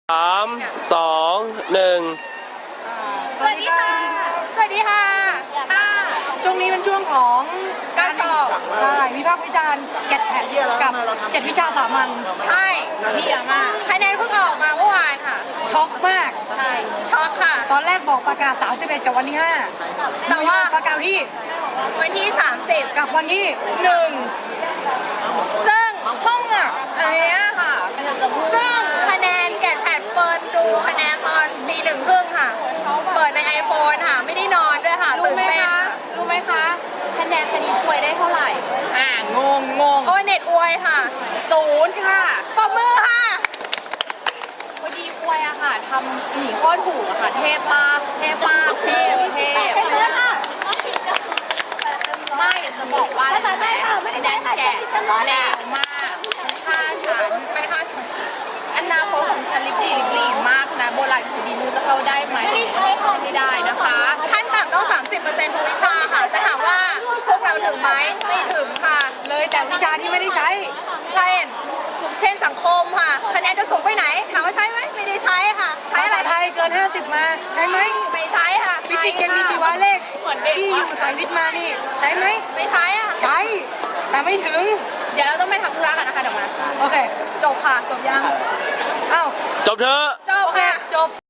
3 2 1 สวัสดีค่ะ สวัสดีค่ะช่วงนี้เป็นช่วงของการสอบใช่วิพากษ์วิจารณ์แกดแพดกับ7วิชาสามัญใช่เยี่ยมมากคะแนนเพิ่งออกมาเมื่อวานค่ะช็อกมากใช่ ช็อกค่ะตอนแรกบอกประกาศ 31 กับวันที่ 5 แต่ว่าประกาศที่วันที่ 30 กับวันที่ซึ่งห้องอ่ะอะไรเงี้ยค่ะซึ่งคะแนนแกดแพดเปิดดูคะแนนตอนตี 1:30 ค่ะ เปิดใน iPhone ค่ะ ไม่ได้นอนด้วยค่ะรู้ตื่นไหมเต้นคะค่ะรู้ไหมคะคะแนนคณิตอวยได้เท่าไหร่ งงโอ้ยเน็ตอวยค่ะ 0ค่ะปรบมือค่ะพอดีอวยอะค่ะทำหนีข้อถูกอะค่ะ เทพมากเทพมากเทพเทพไม่อยากจะบอกว่าอะไรรู้ไหมคะแนนแกะแรงมากค่าฉันไปค่ะฉันอนาคตของฉันลิบลีมากนะโบราณคดีมูจะเข้าได้ไหมเข้าไม่ได้นะคะขั้นต่ำต้อง 30%ทุกวิชาค่ะ แต่ถามว่าพวกเราถึงไหมไม่ถึงค่ะเลยแต่วิชาที่ไม่ได้ใช้เช่นสังคมค่ะ คะแนนจะสูงไปไหน ถามว่าใช้ไหมไม่ได้ใช้ค่ะ ใช้ภาอะไรษาไทยเกิน 50 มาใช้ไหมไม่ใช้ค่ะฟิสิกส์เคมีชีวะเลขที่อยู่สายวิทย์มานี่ใช้ไหมไม่ใช้ค่ะใช้ แต่ไม่ถึงเดี๋ยวเราต้องไปทำธุระกันนะคะเดี๋ยวมาโอเคจบค่ะ จบยังอ้าวจบเถอะจบโอเคค่ะจบ